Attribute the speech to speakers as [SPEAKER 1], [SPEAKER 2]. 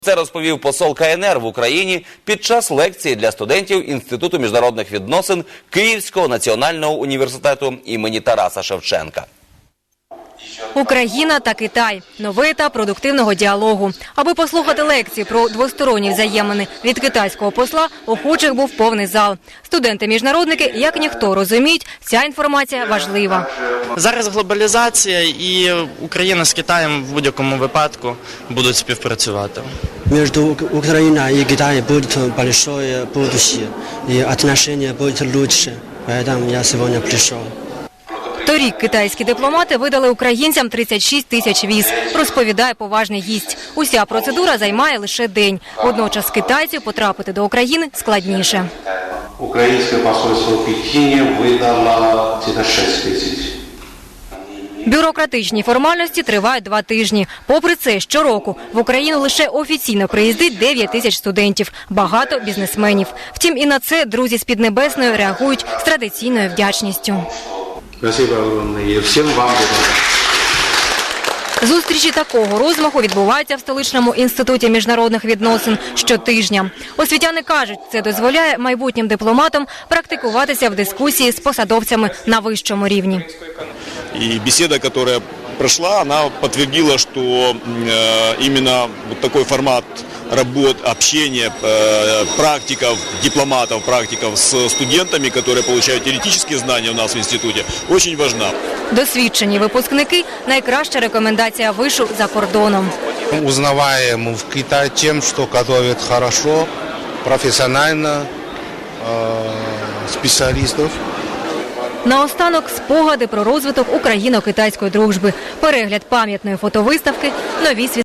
[SPEAKER 1] Це розповів посол КНР в Україні під час лекції для студентів Інституту міжнародних відносин Київського національного університету імені Тараса Шевченка.
[SPEAKER 2] Україна та Китай – новий етап продуктивного діалогу. Аби послухати лекції про двосторонні взаємини від китайського посла, охочих був повний зал. Студенти-міжнародники, як ніхто, розуміють, ця інформація важлива.
[SPEAKER 3] Зараз глобалізація, і Україна з Китаєм в будь-якому випадку будуть співпрацювати.
[SPEAKER 4] Між Україною і Китаєм буде велике будущее, і відносини будуть краще. Тому я сьогодні прийшов.
[SPEAKER 2] Торік китайські дипломати видали українцям 36 тисяч віз, розповідає поважний гість. Уся процедура займає лише день. Водночас китайців потрапити до України складніше.
[SPEAKER 5] Українське посольство в Пекіні видало 6 тисяч.
[SPEAKER 2] Бюрократичні формальності тривають 2 тижні. Попри це, щороку в Україну лише офіційно приїздить 9 тисяч студентів, багато бізнесменів. Втім, і на це друзі з Піднебесної реагують з традиційною вдячністю.
[SPEAKER 5] Спасибо огромное. Всім вам благодарю.
[SPEAKER 2] Зустрічі такого розмаху відбуваються в столичному інституті міжнародних відносин щотижня. Освітяни кажуть, це дозволяє майбутнім дипломатам практикуватися в дискусії з посадовцями на вищому рівні.
[SPEAKER 6] И беседа, которая прошла, она подтвердила, что именно вот такой формат работ, общения практиков, дипломатов, практиков с студентами, которые получают теоретические знания у нас в институте, очень важна.
[SPEAKER 2] Досвідчені випускники – найкраща рекомендація вишу за кордоном.
[SPEAKER 7] Узнаваем в Китае тем, что готовят хорошо, профессионально, специалистов.
[SPEAKER 2] Наостанок – спогади про розвиток україно-китайської дружби, перегляд пам'ятної фотовиставки, нові світлини.